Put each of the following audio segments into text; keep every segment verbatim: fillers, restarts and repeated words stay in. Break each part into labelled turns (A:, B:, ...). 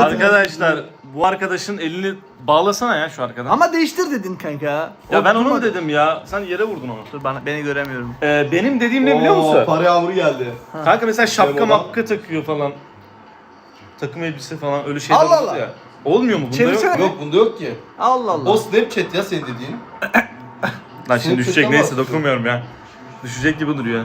A: Arkadaşlar bu arkadaşın elini bağlasana ya şu arkadan.
B: Ama değiştir dedin kanka.
A: Ya ben onu mu
B: Oturmadı.
A: dedim ya? Sen yere vurdun onu.
B: Dur bana, beni göremiyorum.
A: Ee, benim dediğim ne biliyor musun?
C: Para yağmuru geldi.
A: Kanka mesela şapka
C: Memo'dan.
A: mapka takıyor falan. Takım elbise falan öyle şeyler
B: Allah
A: oldu
B: Allah.
A: ya. Olmuyor mu? Bunda
B: Çevirsene.
A: yok.
C: Yok bunda yok ki.
B: Allah Allah.
C: O Snapchat ya senin dediğin.
A: Lan şimdi
C: Snapchat'ten
A: düşecek neyse
C: bahsediyorum.
A: dokunmuyorum ya. Düşecek gibi duruyor.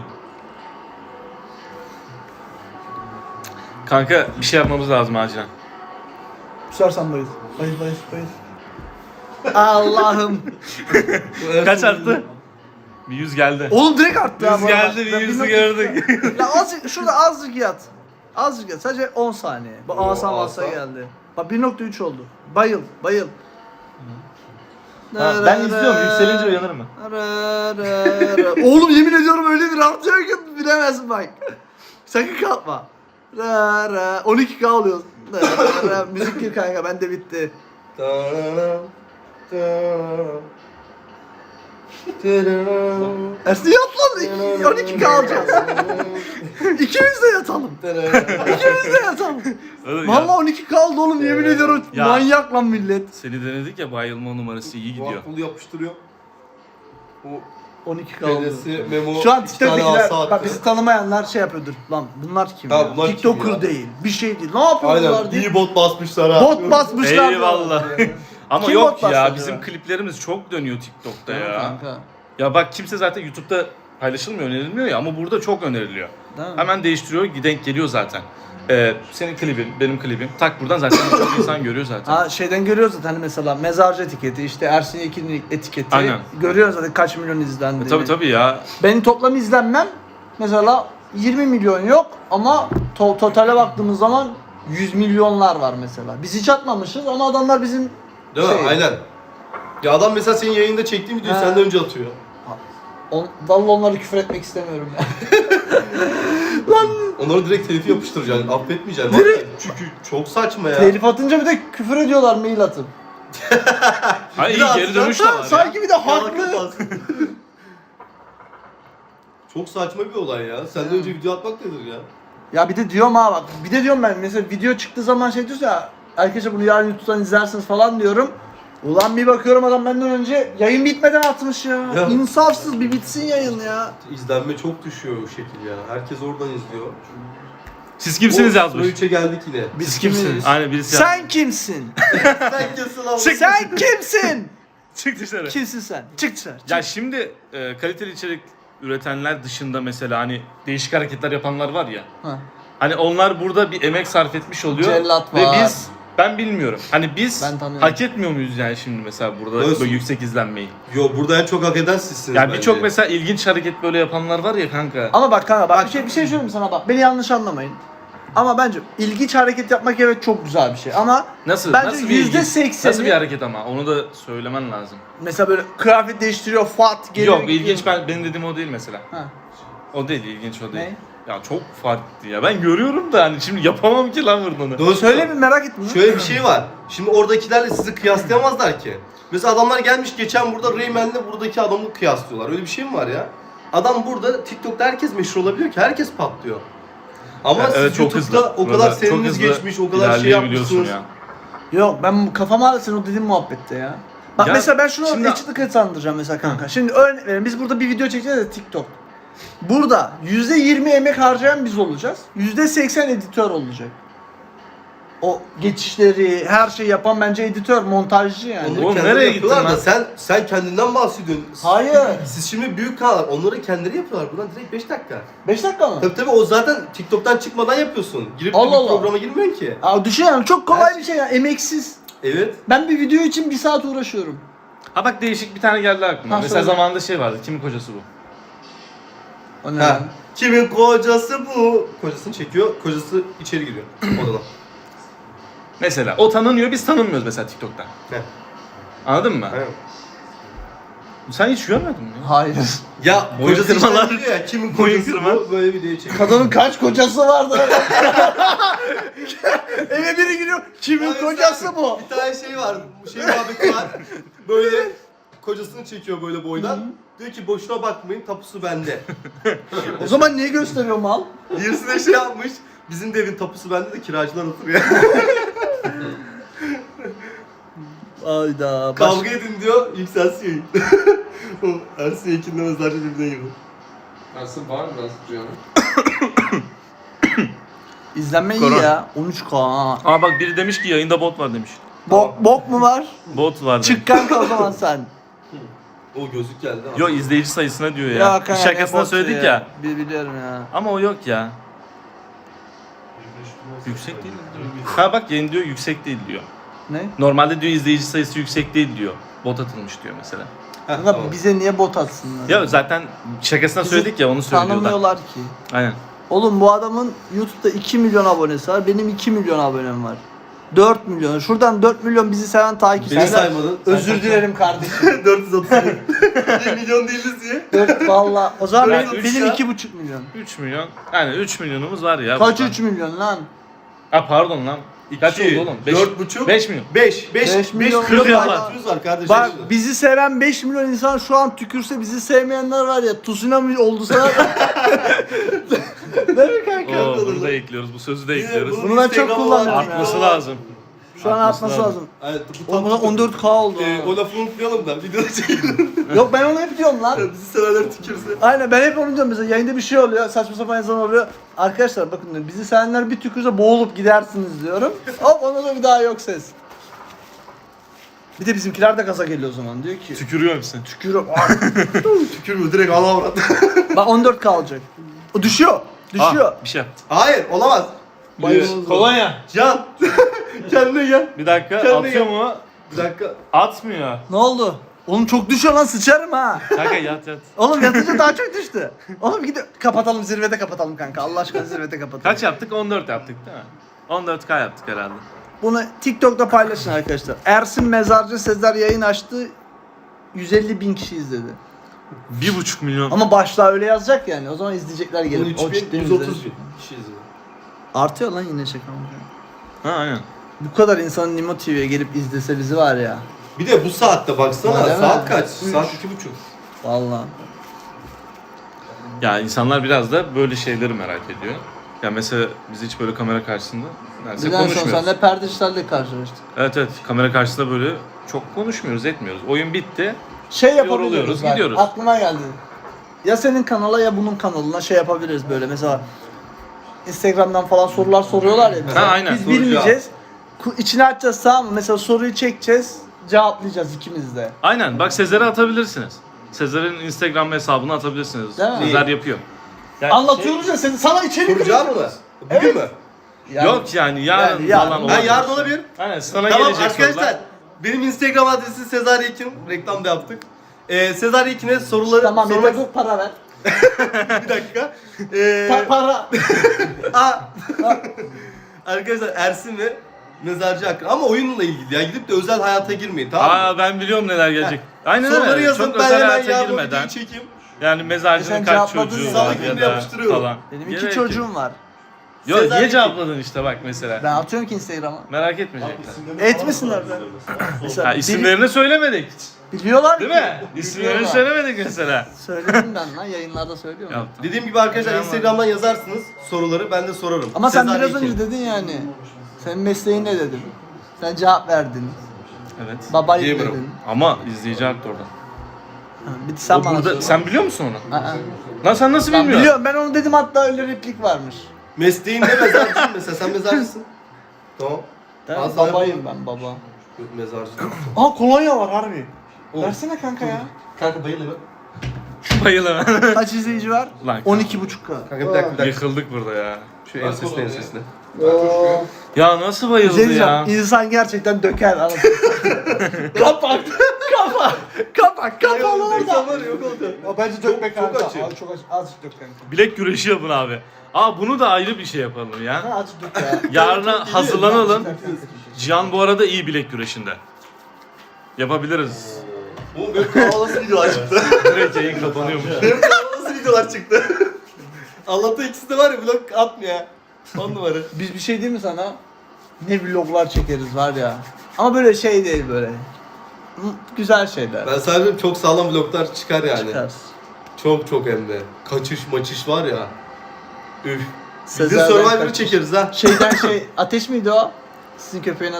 A: Kanka bir şey yapmamız lazım acilen.
B: Kusarsan bayıl. Bayıl bayıl bayıl. Allah'ım.
A: Kaç arttı? Bir yüz geldi.
B: Oğlum direkt arttı ha
A: Yüz
B: bu arada.
A: geldi, bir
B: Ben
A: yüzü
B: bilmiyorum.
A: gördük.
B: Ya azıcık şurada azıcık yat. Azıcık yat. Sadece on saniye. Bu
C: Oo,
B: asam
C: asa.
B: asa geldi. Bak bir nokta üç oldu. Bayıl bayıl.
A: Ha, ben izliyorum, yükselince uyanırım ben.
B: Oğlum yemin ediyorum öyle bir artıyor ki bilemezsin bak. Sakın kalkma. Ra ra. on iki K oluyor. Ra ra. Müzik gir kanka bende bitti. Ersin yat lan. on iki K alacağız. İkimiz de yatalım. İkimiz de yatalım.
A: Öyle
B: Vallahi
A: ya.
B: on iki K aldı oğlum yemin ediyorum.
A: Ya.
B: Manyak lan millet.
A: Seni denedik ya, bayılma numarası iyi gidiyor.
C: Vakfulu yapıştırıyor. Bu
B: on iki K oldu.
C: Dedesi Memo
B: Şu an
C: iki tane
B: TikTok'takiler,
C: asa attı.
B: bak bizi tanımayanlar şey yapıyordur. Lan bunlar kim
C: Ha,
B: ya?
C: bunlar kim
B: TikToker
C: ya?
B: değil. Bir şey değil. Ne yapıyorlar
C: Aynen
B: diye.
C: iyi bot basmışlar ha.
B: Bot basmışlar.
A: Eyvallah. Ama
B: Kim
A: yok
B: bot
A: ya,
B: bastı
A: bizim
B: acaba?
A: kliplerimiz çok dönüyor TikTok'ta
B: Değil mi
A: ya.
B: kanka?
A: Ya bak kimse zaten YouTube'da paylaşılmıyor, önerilmiyor ya, ama burada çok öneriliyor.
B: Değil mi?
A: Hemen değiştiriyor, denk geliyor zaten. Ee, senin klibin, benim klibim. Tak buradan zaten çok insan görüyor zaten.
B: Ha şeyden görüyoruz zaten hani mesela mezarcı etiketi, işte Ersin Yekin'in etiketi.
A: Aynen.
B: Görüyoruz zaten kaç milyon izlendiğini.
A: E, tabii tabii ya.
B: Benim toplam izlenmem mesela yirmi milyon yok ama to- totale baktığımız zaman yüz milyonlar var mesela. Biz hiç atmamışız ama adamlar bizim
C: Değil mi?
B: şey-
C: Aynen. Ya adam mesela senin yayında çektiğin videoyu
B: Ha.
C: senden önce atıyor.
B: On, vallahi onları küfür etmek istemiyorum ya.
C: Onları direkt telifi yapıştıracaksın. Affetmeyeceksin.
B: Direkt-
C: Vallahi. Çünkü çok saçma ya.
B: Telif atınca bir de küfür ediyorlar mail atıp.
A: Ha iyi,
C: Biraz
A: geri dönüş de
B: Ha,
A: var ya.
B: sanki bir de haklı.
C: Haklı. Çok saçma bir olay ya. Senden önce video atmak nedir ya?
B: Ya bir de diyorum ha bak, bir de diyorum ben mesela video çıktığı zaman şey diyorsa ya arkadaşlar bunu yarın YouTube'dan izlersiniz falan diyorum. Ulan bir bakıyorum adam benden önce yayın bitmeden atmış ya.
C: Ya.
B: İnsafsız, bir bitsin yayın ya.
C: İzlenme çok düşüyor o şekil ya. Herkes oradan izliyor.
A: Siz kimsiniz
C: O
A: yazmış.
C: sıra üçe geldik yine.
B: Biz
A: Siz kimsiniz? Aynen birisi yazmış.
B: Sen kimsin?
C: Sen kimsin abi?
B: Sen kimsin?
A: Çık dışarı.
B: Kimsin sen? Çık dışarı. Çık.
A: Ya şimdi e, kaliteli içerik üretenler dışında mesela hani değişik hareketler yapanlar var ya.
B: Ha.
A: Hani onlar burada bir emek sarf etmiş oluyor.
B: Cellat
A: Ve
B: var.
A: biz, ben bilmiyorum. Hani biz
B: Ben tanıyorum.
A: hak etmiyor muyuz yani şimdi mesela burada
C: Nasıl?
A: böyle yüksek izlenmeyi?
C: Yo burada en çok hak eden sizsiniz
A: Yani
C: bence.
A: birçok mesela ilginç hareket böyle yapanlar var ya kanka.
B: Ama bak kanka bak bir şey bir şey söyleyeyim sana bak. Beni yanlış anlamayın. Ama bence ilginç hareket yapmak evet çok güzel bir şey ama
A: Nasıl?
B: bence
A: nasıl bir
B: yüzde
A: ilginç-
B: sekseni
A: Nasıl bir hareket ama? Onu da söylemen lazım.
B: mesela böyle kıyafet değiştiriyor, fat geliyor.
A: Yok ilginç, ben benim dediğim o değil mesela.
B: Ha.
A: O değil, ilginç o değil.
B: Ne?
A: Ya çok farklı ya. Ben görüyorum da hani şimdi yapamam ki lan bunu.
C: Doğru
B: Söyle bir merak ettim.
C: Şöyle bir şey var. Şimdi oradakilerle sizi kıyaslayamazlar ki. Mesela adamlar gelmiş geçen burada Rayman'le buradaki adamı kıyaslıyorlar. Öyle bir şey mi var ya? Adam burada TikTok'ta herkes meşhur olabiliyor ki herkes patlıyor. Ama
A: Ya
C: siz
A: evet, çok
C: YouTube'da
A: hızlı.
C: o kadar
A: Burada çok
C: seniniz
A: hızlı
C: geçmiş, o kadar şey
A: ilerleyebiliyorsun
C: yapmışsınız.
A: ya.
B: Yok ben kafama ağrı senin o dediğin muhabbette ya. Bak
A: Ya
B: mesela ben şunu
A: şimdi-
B: açıklık kazandıracağım mesela kanka. Şimdi örnek verelim biz burada bir video çekeceğiz de TikTok. Burada yüzde yirmi emek harcayan biz olacağız. yüzde seksen editör olacak. O geçişleri, her şeyi yapan bence editör, montajcı yani.
C: Onları
A: Oğlum,
C: kendileri
A: nereye
C: yapıyorlar
A: gittin
C: da
A: lan?
C: sen sen kendinden bahsediyorsun.
B: Hayır.
C: Siz şimdi büyük kanallar, onları kendileri yapıyorlar. Buradan direkt beş dakika.
B: beş dakika mı?
C: Tabii tabii o zaten TikTok'tan çıkmadan yapıyorsun. Girip de
B: Allah
C: bir
B: Allah.
C: programa girmiyorsun ki.
B: Aa, düşün yani çok kolay
C: Her
B: bir şey ya, emeksiz.
C: Evet.
B: Ben bir video için bir saat uğraşıyorum.
A: Ha bak değişik bir tane geldi aklıma.
B: Ha,
A: mesela
B: söyle.
A: zamanında şey vardı. Kimin kocası bu?
B: O ne?
C: Ha.
B: lan?
C: Kimin kocası bu? Kocasını çekiyor, kocası içeri giriyor odana.
A: Mesela o tanınıyor, biz tanınmıyoruz mesela TikTok'ta.
C: Heh.
A: Anladın mı?
C: Aynen.
A: Sen hiç görmedin mi? ya?
B: Hayır.
C: Ya
A: Boyun
C: kocası
A: kırmalar.
C: içeri giriyor ya, kimin
A: Boyun
C: kocası
A: kırma.
C: bu? Böyle videoyu çekiyor.
B: Kadının kaç kocası vardı? Eve biri giriyor. Kimin
C: Abi
B: kocası
C: sen-
B: bu?
C: Bir tane şey var, bu şey muhabbeti var. Böyle kocasını çekiyor böyle boydan. Diyor ki boşuna bakmayın, tapusu bende.
B: O zaman niye gösteriyor mal?
C: Birisi de şey yapmış, bizim de evin tapusu bende de kiracılar oturuyor.
B: Hayda. Baş...
C: Kavga edin diyor, yükselsin yayın. O Ersin Yekin'le mezarcı birbirine girdi.
D: Ersin var mı biraz Cihan'ın?
B: İzlenme iyi
A: Korona.
B: ya. on üç K. ha.
A: Aa bak biri demiş ki yayında bot var demiş.
B: Bok, bok mu var?
A: Bot var demiş.
B: Çık kanka o zaman sen.
C: O gözlük geldi.
A: Yo izleyici sayısına diyor ya.
B: kanka,
A: Şakasına
B: ne botu
A: söyledik ya.
B: Bi- Biliyorum ya.
A: Ama o yok ya. Yüksek değil diyor. Ha bak yeni diyor yüksek değil diyor.
B: Ne?
A: Normalde diyor izleyici sayısı yüksek değil diyor. Bot atılmış diyor mesela.
C: Heh,
B: Kanka
C: tamam.
B: bize niye bot atsınlar?
A: Ya zaten şakasına
B: Bizi
A: söyledik ya onu söylüyor da.
B: Tanımıyorlar ki.
A: Aynen.
B: Oğlum bu adamın YouTube'da iki milyon abonesi var. Benim iki milyon abonem var. dört milyon. Şuradan dört milyon bizi seven
C: Beni
B: takipçiler.
C: saymadın.
B: Özür dilerim kardeşim.
C: dört yüz otuz bir milyon değiliz diye.
B: dört valla. O zaman
A: Ben
B: benim,
A: üç
B: benim
A: ya.
B: iki buçuk milyon.
A: üç milyon. Yani üç milyonumuz var ya.
B: Kaç
A: buradan.
B: üç milyon lan?
A: Ha pardon lan. Kaç oldu oğlum? beş,
C: dört buçuk.
A: beş milyon.
C: beş. beş.
B: Beş
C: beş
B: milyon
C: milyon
A: var.
C: takipçimiz var kardeşim.
B: Bak bizi seven beş milyon insan şu an tükürse bizi sevmeyenler var ya tsunami oldu sana. Değil mi kanka?
A: Oo, bunu da ekliyoruz. Bu sözü de
C: Yine
A: ekliyoruz.
C: bunun
B: Bunu ben çok
C: Instagram'ı
B: kullanıyorum
C: var,
B: ya.
A: Artması
C: TikTok'u var.
A: lazım.
B: Şu an
A: Artması
B: artması
A: lazım.
B: lazım.
C: Evet, bu
B: Oğlum buna
C: tam-
B: on dört K oldu.
C: Ee,
B: ha.
C: o lafı unutmayalım da videoda çekelim.
B: Yok ben onu hep diyorum lan.
C: Bizi sevenler tükürse.
B: Aynen ben hep onu diyorum mesela yayında bir şey oluyor saçma sapan yazan oluyor. Arkadaşlar bakın diyorum, bizi sevenler bir tükürse boğulup gidersiniz diyorum. Hop ona da bir daha yok ses. Bir de bizimkiler de gaza geliyor o zaman diyor ki
A: Tükürüyor musun?
B: tükürüyorum.
C: Tükürmüyor direkt ala avrat.
B: Bak on dört K olacak. O düşüyor. Düşüyor.
A: Ah, bir şey yaptı.
C: Hayır olamaz.
B: Bayılırız.
A: Kolonya.
C: Can. Kendine gel.
A: Bir dakika
C: Kendine
A: atıyor
C: gel.
A: mu?
C: Bir dakika.
A: Atmıyor.
B: Ne oldu? Oğlum çok düşüyor lan sıçarım ha.
A: Kanka yat yat.
B: Oğlum yatınca daha çok düştü. Oğlum gidiyor. Kapatalım zirvede kapatalım kanka. Allah aşkına zirvede kapatalım.
A: Kaç yaptık? on dört yaptık değil mi? on dört K yaptık herhalde.
B: Bunu TikTok'ta paylaşın arkadaşlar. Ersin Mezarcı Sezer yayın açtı. yüz elli bin kişi izledi.
A: bir buçuk milyon.
B: Ama başlığa öyle yazacak yani. O zaman izleyecekler
C: on
B: gelip.
C: üç
B: O
C: bin
B: ciddi
C: yüz otuz
B: izlenir.
C: bin kişi izliyor.
B: Artıyor lan yine şaka mı?
A: Ha aynen.
B: Bu kadar insanın Nimo T V'ye gelip izlese bizi var ya.
C: Bir de bu saatte baksana.
B: Değil mi?
C: Saat kaç?
B: Üç.
C: Saat iki buçuk.
B: Vallahi.
A: Ya insanlar biraz da böyle şeyleri merak ediyor. Ya mesela biz hiç böyle kamera karşısında neredeyse
B: Biz en son
A: konuşmuyoruz.
B: seninle perdişlerle karşılaştık.
A: Evet evet kamera karşısında böyle çok konuşmuyoruz etmiyoruz. Oyun bitti.
B: Şey yapabiliyoruz
A: Yoruluyoruz,
B: bak,
A: gidiyoruz.
B: aklıma geldi. Ya senin kanala ya bunun kanalına şey yapabiliriz böyle mesela Instagram'dan falan sorular soruyorlar ya bize.
A: Ha, aynen.
B: Biz
C: Soru
B: bilmeyeceğiz. Ku- İçine açacağız tamam mı? Mesela soruyu çekeceğiz, cevaplayacağız ikimiz de.
A: Aynen bak Sezer'e atabilirsiniz. Sezer'in Instagram hesabına atabilirsiniz.
B: Değil mi?
A: Sezer yapıyor. Yani
B: Anlatıyoruz ya seni, sana içerik
C: Kuracağım mı?
B: üretiyoruz.
C: Bugün
B: Evet.
C: mı?
B: Yani-
A: Yok yani yarın
B: Yani yarın.
A: falan
C: Ben
A: olabilir.
C: yarın olabilir.
A: Aynen sana
C: Tamam
A: gelecek
C: arkadaşlar.
A: sorular.
C: Benim Instagram adresi Sezar Yekin. Reklam da yaptık. Ee, Sezar Yekin'e soruları
B: Tamam
C: sormak...
B: yeter dur para ver.
C: Bir dakika. Ee,
B: Pa- para.
C: Aa. Arkadaşlar Ersin ve Mezarcı hakkında ama oyunla ilgili ya gidip de özel hayata girmeyin tamam mı?
A: Aa ben biliyorum neler gelecek. Aynen
C: Soruları
A: öyle.
C: yazın
A: Çok
C: ben
A: özel
C: hemen
A: hayata
C: yarın o
A: girmeden.
C: videoyu çekeyim.
A: Yani
B: E
A: mezarcının
B: sen
A: kaç
B: cevapladın
A: çocuğu
B: ya.
A: var
C: Salı
A: ya
C: günü
A: da
C: yapıştırıyorum.
A: falan.
B: Benim
A: Gerek
B: iki
A: yok.
B: çocuğum var.
A: Yok
C: Sezar
A: niye
C: Yekin.
A: cevapladın işte bak mesela.
B: Ben atıyorum ki Instagram'a.
A: Merak etmeyecekler.
B: Etmesinler ben. Mesela
A: Ha,
B: biri-
A: isimlerini söylemedik.
B: biliyorlar
A: Değil
B: ki.
A: mi? İsimlerini
B: Biliyorlar.
A: söylemedik mesela.
B: Söyledim ben lan yayınlarda söylüyorum.
A: Yaptım.
C: Dediğim gibi arkadaşlar
A: Tamam.
C: Instagram'dan yazarsınız soruları ben de sorarım.
B: Ama sen
C: Sezar
B: biraz
C: Yekin.
B: önce dedin yani. Senin mesleğin ne dedin? Sen cevap verdin.
A: Evet.
B: Babayım
C: Gamer'ım.
B: dedin.
A: Ama izleyici haklı orada.
B: Ha, bir de sen
A: O
B: bana
A: burada,
B: söyle.
A: sen biliyor musun onu?
B: Aa,
A: Lan sen nasıl
B: ben
A: bilmiyorsun?
B: biliyorum ben onu dedim hatta öyle replik varmış.
C: Mesleğin ne mezarcısın mesela sen mezarcısın. Tamam.
B: Değil mi?
C: Az daha
B: Babayım
C: yapalım.
B: ben baba.
C: Yok mezarcı.
B: Aa kolonya var harbi.
C: O.
B: Versene kanka ya.
C: Kanka bayıl hemen.
A: Bayılamam.
B: Kaç izleyici var?
A: Lan
B: on iki buçuk K.
C: Kanka bir dakika bir dakika.
A: Yıkıldık burada ya.
C: Şu ensesine ensesine.
A: Ya nasıl bayıldı
B: Şey diyeceğim,
A: ya?
B: insan gerçekten döker anasını. Kapak, kapak, kapak, kapalı orada.
C: İnsanlar yok oldu.
B: O bence dökme
C: Çok- çok
B: kanka.
C: açıyor.
B: Abi çok aç, azıcık dök kanka.
A: Bilek güreşi yapın abi. Aa bunu da ayrı bir şey yapalım ya.
B: Ha, azıcık dök ya.
A: Yarına hazırlanalım.
B: Azıcık dök.
A: Cihan bu arada iyi bilek güreşinde. Yapabiliriz.
C: Bu benim kanalısı videolar çıktı.
A: Direkt yayın kapanıyormuş.
C: Benim kanalısı videolar çıktı. Allah'ta ikisi de var ya vlog atmıyor ya. On numara.
B: Biz bir şey değil mi sana? Ne vloglar çekeriz var ya. Ama böyle şey değil böyle. Hı, güzel şeyler.
C: Ben sadece çok sağlam vloglar çıkar yani.
B: Çıkar.
C: Çok çok hem de. Kaçış maçış var ya. Üf. Bizim
B: Sezer'den
C: Survivor'ı
B: kaçış.
C: çekeriz ha.
B: Şeyden şey, Ateş miydi o? Sizin köpeğin adı?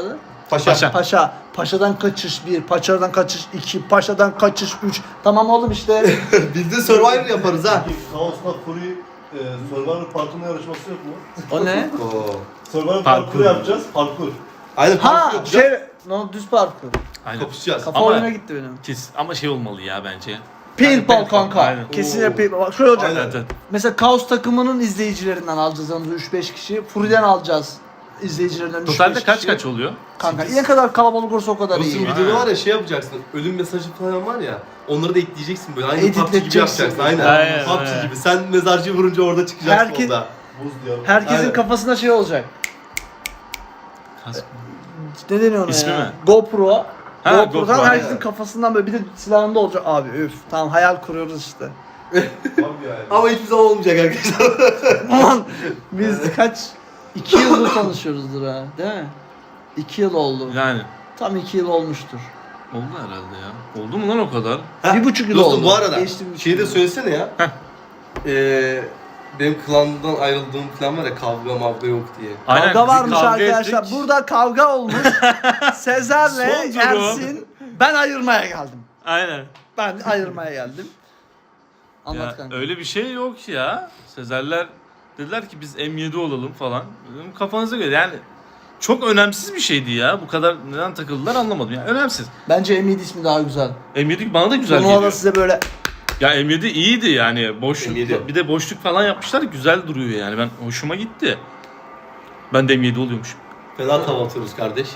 C: Paşa.
A: Paşa.
B: Paşa. Paşadan kaçış bir, paşadan kaçış iki, paşadan kaçış üç. Tamam oğlum işte.
C: Biz de Survivor yaparız ha.
E: Kaos'la Fury e, Survivor parkuruna yarışması yok mu?
B: O ne?
C: Oo.
E: Survivor
A: Parkur.
E: parkuru yapacağız. Parkur.
C: Aynen
B: Ha
C: parkur yapacağız.
B: şey, no düz parkur.
A: Aynen.
C: Kapışacağız.
B: Kafa
A: Ama-
B: oyuna gitti benim.
A: Kes, ama şey olmalı ya bence.
B: Paintball
A: Aynen,
B: kanka.
A: aynen.
B: Kesinlikle
C: Oo.
B: paintball. Bak şöyle olacak.
C: Aynen.
A: Evet, evet.
B: Mesela Kaos takımının izleyicilerinden alacağız yanımıza üç beş kişi. Fury'den alacağız izleyicilerinden üç beş
A: Totalde
B: kişi.
A: kaç kaç oluyor?
B: Kanka ne kadar kalabalık olursa o kadar
C: Dostum
B: iyi.
C: videoda
A: Ha.
C: var ya şey yapacaksın. Ölüm mesajı falan var ya. Onları da ekleyeceksin böyle. Aynı P U B G gibi
B: Editleteceksin.
C: yapacaksın. Aynen.
A: Aynen,
C: P U B G
A: aynen.
C: gibi. Sen mezarcıyı vurunca orada çıkacaksın
B: Herkes-
C: orada.
E: Buz diyarı.
B: Herkesin
C: Aynen.
B: kafasında şey olacak.
A: Kas-
B: Ne deniyor ona
A: İsmi
B: ya?
A: mi?
B: GoPro.
A: Ha,
B: GoPro'dan
A: GoPro,
B: herkesin
C: aynen.
B: kafasından böyle bir de silahında olacak. Abi üf. Tamam hayal kuruyoruz işte.
E: Tam yani.
C: Ama hiçbir zaman olmayacak arkadaşlar.
B: Aman biz kaç? iki yıldır tanışıyoruzdur ha. Değil mi? İki yıl oldu.
A: Yani
B: Tam iki yıl olmuştur.
A: oldu herhalde ya. Oldu mu lan o kadar?
B: Bir buçuk yıl
C: Dostum
B: oldu.
C: bu arada
B: Geçti bir buçuk
C: şeyi de
B: yıl.
C: söylesene ya. Ee, benim klandan ayrıldığım falan var ya kavga mavga yok diye.
A: Aynen,
B: Kavga
A: biz
B: varmış
A: kavga
B: arkadaşlar.
A: ettik.
B: Burada kavga olmuş. Sezer'le
A: Son durum.
B: Ersin. Ben ayırmaya geldim.
A: Aynen.
B: Ben ayırmaya geldim. Anlat
A: Ya,
B: kanka.
A: öyle bir şey yok ya. Sezerler dediler ki biz M yedi olalım falan. Dedim, kafanıza göre yani çok önemsiz bir şeydi ya. Bu kadar neden takıldılar anlamadım. Yani önemsiz.
B: Bence M yedi ismi daha güzel.
A: M yedi bana da güzel
B: Turnuvada
A: geliyor.
B: size böyle
A: Ya M yedi iyiydi yani. Boşluk,
C: M yedi.
A: bir de boşluk falan yapmışlar. Güzel duruyor yani. Ben hoşuma gitti. Ben de M yedi oluyormuşum.
C: Fena tav atıyoruz kardeş.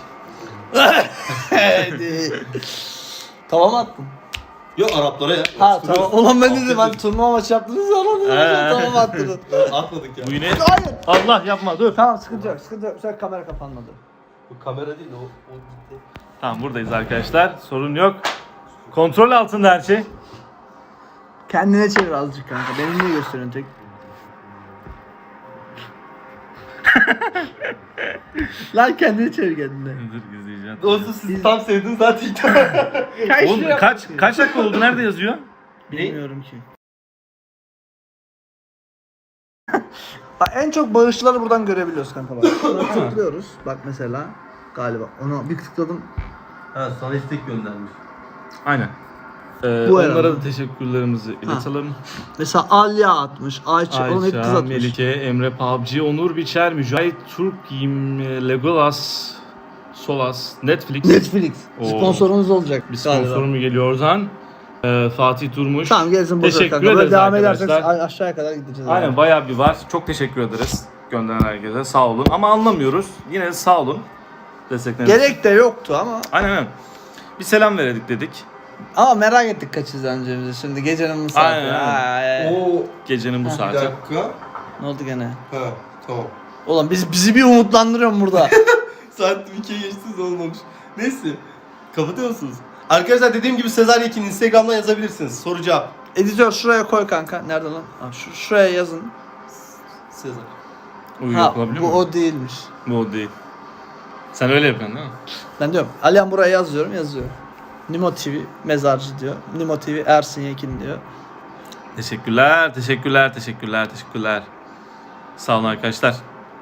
B: Tamam attın.
C: Yok Araplara ya.
B: Ha tamam. Ulan ben dedim
C: Aferin.
B: hani turnuva maçı yaptınız ya lan dedim.
A: He.
B: Tamam attınız.
C: Atmadık ya.
A: Bu yine
B: Hayır.
A: Allah yapma dur.
B: Tamam sıkıntı yok. Sıkıntı yok. Sen kamera kapanmadı.
C: Bu kamera değil o. o gitti.
A: Tamam buradayız arkadaşlar. Sorun yok. Kontrol altında her şey.
B: Kendine çevir azıcık kanka. Benim niye gösteriyorsun tek? Lan kendini çevir kendine.
A: Dur izleyeceğim.
C: Dostum siz tam sevdiniz zaten.
A: Oğlum kaç kaç dakika oldu? Nerede yazıyor?
B: Bilmiyorum ki. Bak en çok bağışçıları buradan görebiliyoruz kanka bak. Şuna tıklıyoruz. Bak mesela galiba ona bir tıkladım.
C: Ha sana istek göndermiş.
A: Aynen. Ee,
B: Bu
A: onlara
B: herhalde.
A: da teşekkürlerimizi iletelim.
B: Mesela Alya atmış, Ayça, onu hep kız
A: Ayşe,
B: atmış.
A: Melike, Emre P U B G, Onur Biçer, Mücahit Türk, Yim, Legolas, Solas, Netflix.
B: Netflix.
A: Oo.
B: Sponsorumuz olacak.
A: Bir
B: galiba.
A: sponsoru mu geliyor oradan? Ee, Fatih Turmuş.
B: Tamam gelsin burada
A: Teşekkür
B: kanka. Böyle
A: ederiz
B: devam edersek
A: arkadaşlar.
B: a- aşağıya kadar gideceğiz.
A: Aynen
B: abi.
A: bayağı bir var. Çok teşekkür ederiz gönderen herkese. Sağ olun. Ama anlamıyoruz. Yine de sağ olun. Destekleriniz.
B: Gerek de yoktu ama.
A: Aynen aynen. Bir selam veredik dedik.
B: Ama merak ettik kaç izleneceğimizi şimdi gecenin bu saati.
A: Aynen, aynen.
B: Ay.
C: Oo
A: Gecenin bu
C: bir
A: saati.
C: dakika.
B: Ne oldu gene?
C: Ha tamam.
B: Ulan biz bizi bir umutlandırıyorsun burada.
C: Saat ikiye geçtiniz olmamış. Neyse. Kapatıyor musunuz? Arkadaşlar dediğim gibi Sezar Yekin Instagram'dan yazabilirsiniz. Soru cevap.
B: Editör şuraya koy kanka. Nerede lan? Ha, şu, şuraya yazın.
C: Sezar.
A: Uyu
B: Ha,
A: yapılabiliyor
B: bu
A: mu?
B: o değilmiş.
A: Bu o değil. Sen öyle yapıyorsun değil mi?
B: Ben diyorum. Alihan buraya yazıyorum yazıyor. Nimo T V mezarcı diyor. Nimo T V Ersin Yekin diyor.
A: Teşekkürler, teşekkürler, teşekkürler, teşekkürler. Sağ olun arkadaşlar.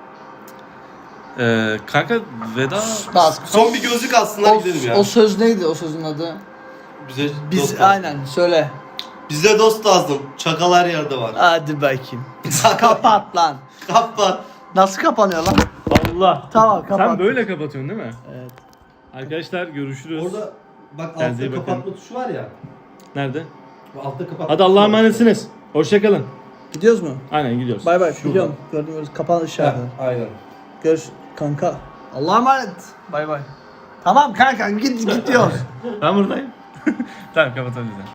A: Ee, kanka veda...
B: Daha
C: Son bir gözlük alsınlar
B: o,
C: gidelim ya.
B: o söz neydi o sözün adı?
C: Bize
B: Biz
C: dost lazım.
B: aynen söyle.
C: Bize dost lazım. Çakal her yerde var.
B: Hadi bakayım. Kapat lan.
C: Kapat.
B: Nasıl kapanıyor lan?
A: Allah!
B: Tamam kapat.
A: Sen böyle kapatıyorsun değil mi?
B: Evet.
A: Arkadaşlar görüşürüz.
C: Orada bak
A: Kendinize iyi
C: altta
A: bakın.
C: kapatma tuşu var ya.
A: Nerede?
C: Bu altta kapatma
A: Hadi Allah'a
C: tuşu var.
A: emanetsiniz. Hoşçakalın.
B: Gidiyoruz mu?
A: Aynen gidiyoruz.
B: Bay bay.
C: Şurada.
B: Gidiyorum. Gördüğünüz kapan
C: Ha,
B: işareti.
C: aynen.
B: Görüş kanka. Allah'a emanet. Bay bay. Tamam kanka git gidiyoruz.
A: Ben buradayım. Tamam kapatalım.